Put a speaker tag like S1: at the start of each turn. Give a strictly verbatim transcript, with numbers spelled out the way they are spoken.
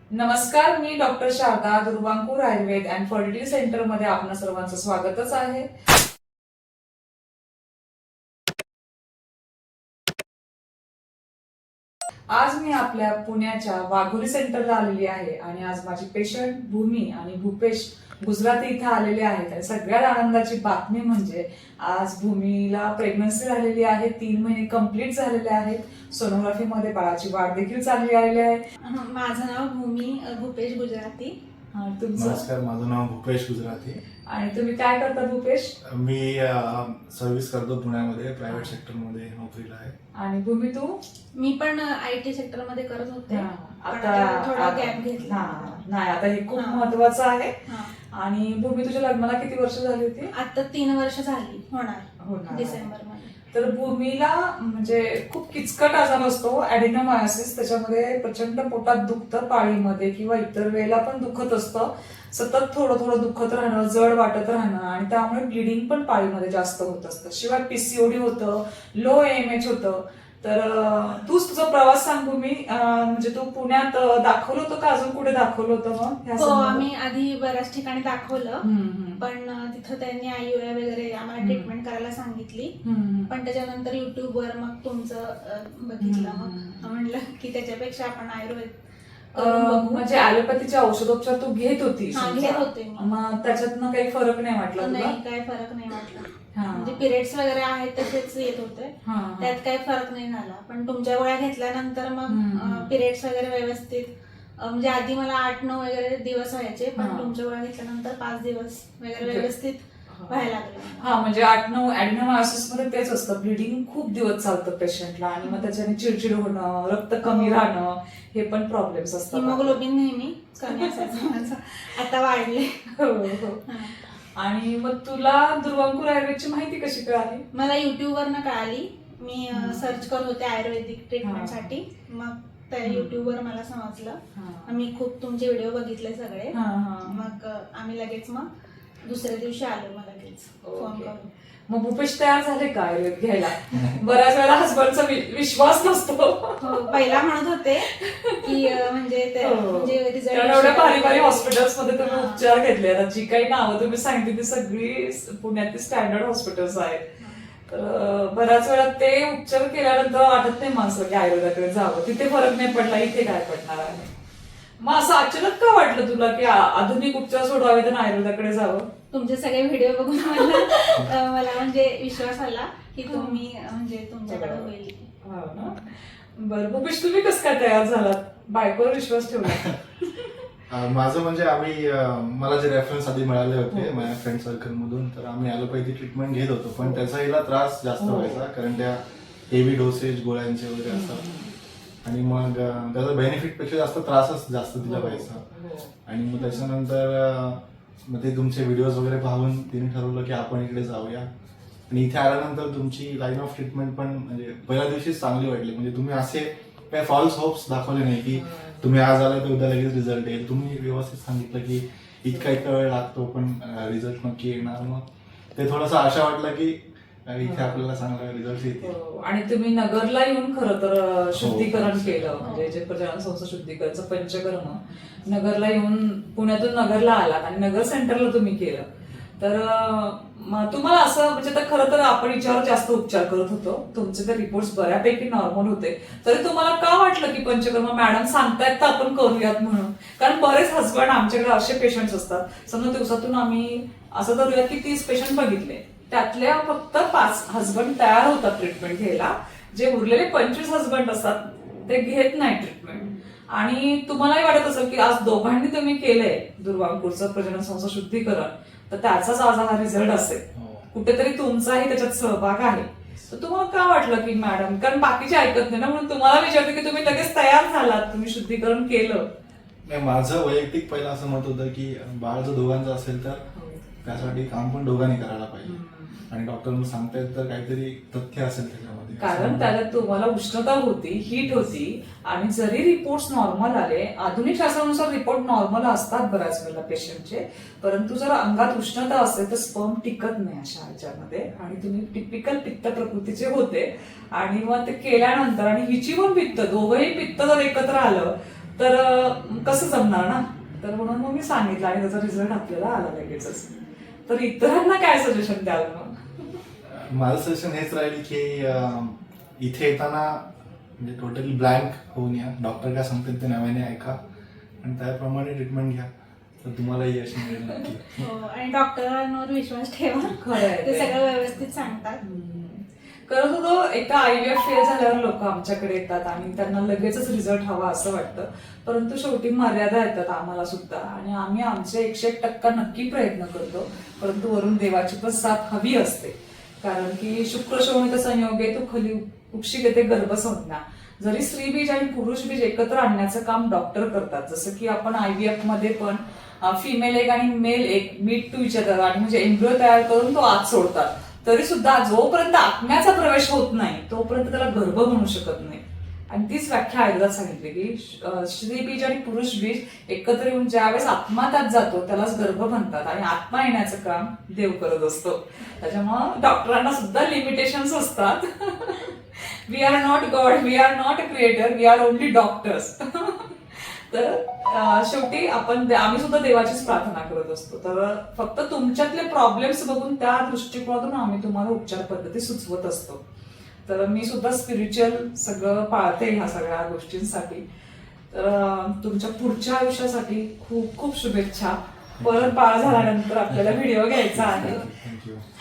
S1: नमस्कार, मी doctor Sharada Durvankur Ayurveda and fertility centre मध्ये आपणा सर्वांचं स्वागतच आहे. आज मी आपल्या पुण्याच्या वाघोली सेंटरला आलेली आहे आणि आज माझी पेशंट भूमी आणि भूपेश गुजराती इथे आलेले आहेत. आणि सगळ्यात आनंदाची बातमी म्हणजे आज भूमीला प्रेग्नन्सी झालेली आहे. तीन महिने कंप्लीट झालेले आहेत. सोनोग्राफी मध्ये बाळाची वाढ देखील चांगली आलेली आहे.
S2: माझं नाव भूमी भूपेश गुजराती.
S3: नमस्कार, माझं नाव भूपेश गुजराती.
S1: आणि तुम्ही काय करता भूपेश?
S3: मी सर्व्हिस करतो पुण्यामध्ये, प्रायव्हेट सेक्टर मध्ये नोकरीला आहे.
S1: आणि भूमी तू?
S2: मी पण आय टी सेक्टर मध्ये करत होते.
S1: आता
S2: थोडा गॅप घेतला.
S1: नाही, आता हे खूप महत्वाचं आहे. आणि भूमी, तुझ्या लग्नाला किती वर्ष झाली होती?
S2: आता तीन वर्ष झाली होणार
S1: होणार
S2: डिसेंबर मध्ये.
S1: तर भूमीला म्हणजे खूप किचकट आजार असतो ऍडिनोमायोसिस. त्याच्यामध्ये प्रचंड पोटात दुखतं पाळीमध्ये किंवा इतर वेळेला पण दुखत असतं. सतत थोडं थोडं दुखत राहणं, जड वाटत राहणं आणि त्यामुळे ब्लिडिंग पण पाळीमध्ये जास्त होत असतं. शिवाय पीसीओडी होतं, लो एम एच होतं. तर तूच तुझा प्रवास सांग भूमी. म्हणजे तू पुण्यात दाखवलं होतं का अजून कुठे दाखवलं होतं? मग
S2: हो, आम्ही आधी बऱ्याच ठिकाणी दाखवलं, पण तिथं त्यांनी आययुआय वगैरे आम्हाला ट्रीटमेंट करायला सांगितली. पण त्याच्यानंतर युट्यूबवर मग तुमचं बघितलं. मग म्हणलं की त्याच्यापेक्षा आपण आयुर्वेद
S1: म्हणजे ऍलोपॅथीचे औषधोपचार तू घेत होती?
S2: घेत होते.
S1: मग त्याच्यातनं काही फरक नाही वाटला?
S2: नाही, काही फरक नाही वाटला. म्हणजे पिरियड्स वगैरे आहेत तसेच येत होते, त्यात काही फरक नाही झाला. पण तुमच्या गोळ्या घेतल्यानंतर मग पिरियड्स वगैरे व्यवस्थित, म्हणजे आधी मला आठ नऊ वगैरे दिवस व्हायचे, पण तुमच्या गोळ्या घेतल्यानंतर पाच दिवस वगैरे व्यवस्थित व्हायला लागलं.
S1: हा, म्हणजे आठ नऊ ऍडिनोमायोसिस मध्ये तेच असतं, ब्लिडिंग खूप दिवस चालतं पेशंटला आणि मग त्याच्याने चिडचिड होणं, रक्त कमी राहणं, हे पण प्रॉब्लेम्स असतात.
S2: हिमोग्लोबिन नेहमी कमी असायचं माझं, आता वाढले.
S1: हो हो. आणि मग तुला दुर्वांकूर आयुर्वेदची माहिती कशी कळाली?
S2: मला युट्यूबवरनं कळाली. मी सर्च करत होते आयुर्वेदिक ट्रीटमेंटसाठी, मग त्या युट्यूबवर मला समजलं. मी खूप तुमचे व्हिडिओ बघितले सगळे. मग आम्ही लगेच मग दुसऱ्या दिवशी आलो. मला लगेच फोन करून.
S1: मग भूपेश तयार झाले का आयुर्वेद घ्यायला? बऱ्याच वेळा हसबंडचा विश्वास नसतो.
S2: पहिला म्हणत होते की म्हणजे
S1: एवढ्या भारी भारी हॉस्पिटल्स मध्ये तुम्ही उपचार घेतले. आता जी काही नावं तुम्ही सांगितली ती सगळी पुण्यातील स्टँडर्ड हॉस्पिटल्स आहेत. तर बऱ्याच वेळा ते उपचार केल्यानंतर वाटत नाही माणसं की आयुर्वेदाकडे जावं. तिथे फरक नाही पडला, इथे काय पडणार आहे? मग असं अचानक का वाटलं तुला की आधुनिक उपचार सोडवावे तर आयुर्वेदाकडे जावं?
S2: तुमचे सगळे व्हिडिओ बघून मला मला म्हणजे विश्वास आला की तुम्ही म्हणजे तुमच्याकडे होईल.
S1: बरं भूपेश, तुम्ही कसं काय तयार झालात? बायकोवर विश्वास ठेवला?
S3: माझं म्हणजे आम्ही मला जे रेफरन्स आधी मिळाले होते माझ्या फ्रेंड सर्कल मधून, तर आम्ही ॲलोपॅथी ट्रीटमेंट घेत होतो. पण त्याचा हिला त्रास जास्त व्हायचा, कारण त्या हेवी डोसेज गोळ्यांचे वगैरे असतात. आणि मग त्याचा बेनिफिट पेक्षा जास्त त्रासच जास्त तिला व्हायचा. आणि मग त्याच्यानंतर मग ते तुमचे व्हिडिओज वगैरे पाहून तिने ठरवलं की आपण इकडे जाऊया. आणि इथे आल्यानंतर तुमची लाईन ऑफ ट्रीटमेंट पण म्हणजे पहिल्या दिवशीच चांगली वाटली. म्हणजे तुम्ही असे काही फॉल्स होप्स दाखवले नाही की तुम्ही आज आला तर उद्या लगेच रिझल्ट येईल. तुम्ही व्यवस्थित सांगितलं की इतका इतका वेळ लागतो पण रिझल्ट नक्की येणार. मग ते थोडंसं आशा वाटलं की इथे आपल्याला चांगला रिझल्ट येतील.
S1: आणि तुम्ही नगरला येऊन खरं तर शुद्धीकरण केलं, म्हणजे जे प्रजनन संस्था शुद्धीकरणचं पंचकर्म नगरला येऊन पुण्यातून नगरला आलात आणि नगर सेंटरला तुम्ही केलं. तर तुम्हाला असं म्हणजे तर खरं तर आपण याच्यावर जास्त उपचार करत होतो, तुमचे तर रिपोर्ट्स बऱ्यापैकी नॉर्मल होते, तरी तुम्हाला का वाटलं की पंचकर्म मॅडम सांगतायत तर आपण करूयात म्हणून? कारण बरेच हसबंड आमच्याकडे असे पेशंट्स असतात, समजा दिवसातून आम्ही असं धरूया की तीस पेशंट बघितले, त्यातल्या फक्त पाच हसबंड तयार होतात ट्रीटमेंट घ्यायला. जे उरलेले पंचवीस हसबंड असतात ते घेत नाही ट्रीटमेंट. आणि तुम्हालाही वाटत असेल की आज दोघांनी तुम्ही केलंय दुर्वांकूरचं प्रजनन संस्था शुद्धीकरण, तर त्याचाच आज हा रिझल्ट असेल. कुठेतरी तुमचाही त्याच्यात सहभाग आहे. तर तुम्हाला का वाटलं की मॅडम, कारण बाकीचे ऐकत नाही ना, म्हणून तुम्हाला विचारते की तुम्ही लगेच तयार झालात, तुम्ही शुद्धीकरण केलं?
S3: नाही, माझं वैयक्तिक पहिलं असं मत होतं की बाळ जर दोघांचं असेल तर त्यासाठी काम पण दोघांनी करायला पाहिजे. आणि डॉक्टर सांगतायत तर काहीतरी तथ्य असेल त्याच्यामध्ये,
S1: कारण त्याच्यात तुम्हाला उष्णता होती, हीट होती. आणि जरी रिपोर्ट नॉर्मल आले, आधुनिक शास्त्रानुसार रिपोर्ट नॉर्मल असतात बऱ्याच वेळेला पेशंटचे, परंतु जर अंगात उष्णता असेल तर स्पर्म टिकत नाही अशा ह्याच्यामध्ये. आणि तुम्ही टिपिकल पित्त प्रकृतीचे होते आणि मग ते केल्यानंतर, आणि हिची पण पित्त, दोघंही पित्त जर एकत्र आलं तर अं, कसं जमणार ना. तर म्हणून मग मी सांगितलं आणि त्याचा रिझल्ट आपल्याला आला लगेचच. तर इतरांना काय सजेशन द्याल मग?
S3: माझं सजेशन हेच राहील की अं, इथे येताना म्हणजे टोटली ब्लँक होऊन या. डॉक्टर काय सांगतात ते नव्याने ऐका आणि त्याप्रमाणे ट्रीटमेंट घ्या, तर तुम्हाला यश मिळेल नक्की.
S2: हो, आणि डॉक्टरांवर विश्वास ठेवा,
S1: खरंय
S2: ते
S1: ते.
S2: सगळं व्यवस्थित सांगतात.
S1: करत होतो. एकदा आयव्हीएफ फेल झाल्यावर लोक आमच्याकडे येतात आणि त्यांना लगेचच रिझल्ट हवा असं वाटतं, परंतु शेवटी मर्यादा येतात आम्हाला सुद्धा आणि आम्ही आमचे एकशे एक टक्का नक्की प्रयत्न करतो, परंतु वरून देवाची पण साथ हवी असते. कारण की शुक्र शोणित संयोगे तू खली उपशी घेते गर्भसंज्ञा. जरी स्त्री बीज आणि पुरुष बीज एकत्र आणण्याचं काम डॉक्टर करतात, जसं की आपण आयव्हीएफ मध्ये पण फिमेल एक आणि मेल एक मीट टू इच अदर आणि म्हणजे एम्ब्रिओ तयार करून तो आत सोडतात, तरी सुद्धा जोपर्यंत आत्म्याचा प्रवेश होत नाही तोपर्यंत त्याला गर्भ म्हणू शकत नाही. आणि तीच व्याख्या आयुर्वेदात सांगितली की स्त्री बीज आणि पुरुष बीज एकत्र येऊन ज्यावेळेस आत्मा त्यात जातो त्यालाच गर्भ म्हणतात आणि आत्मा येण्याचं काम देव करत असतो. त्याच्यामुळे डॉक्टरांना सुद्धा लिमिटेशन्स असतात. We are not God, we are not creator, we are only doctors. तर शेवटी आपण आम्ही सुद्धा देवाचीच प्रार्थना करत असतो. तर फक्त तुमच्यातले प्रॉब्लेम्स बघून त्या दृष्टिकोनातून आम्ही तुम्हाला उपचार पद्धती सुचवत असतो. तर मी सुद्धा स्पिरिच्युअल सगळं पाळते ह्या सगळ्या गोष्टींसाठी. तर तुमच्या पुढच्या आयुष्यासाठी खूप खूप शुभेच्छा. परत बाळ झाल्यानंतर आपल्याला व्हिडिओ घ्यायचा आहे.
S3: थँक्यू.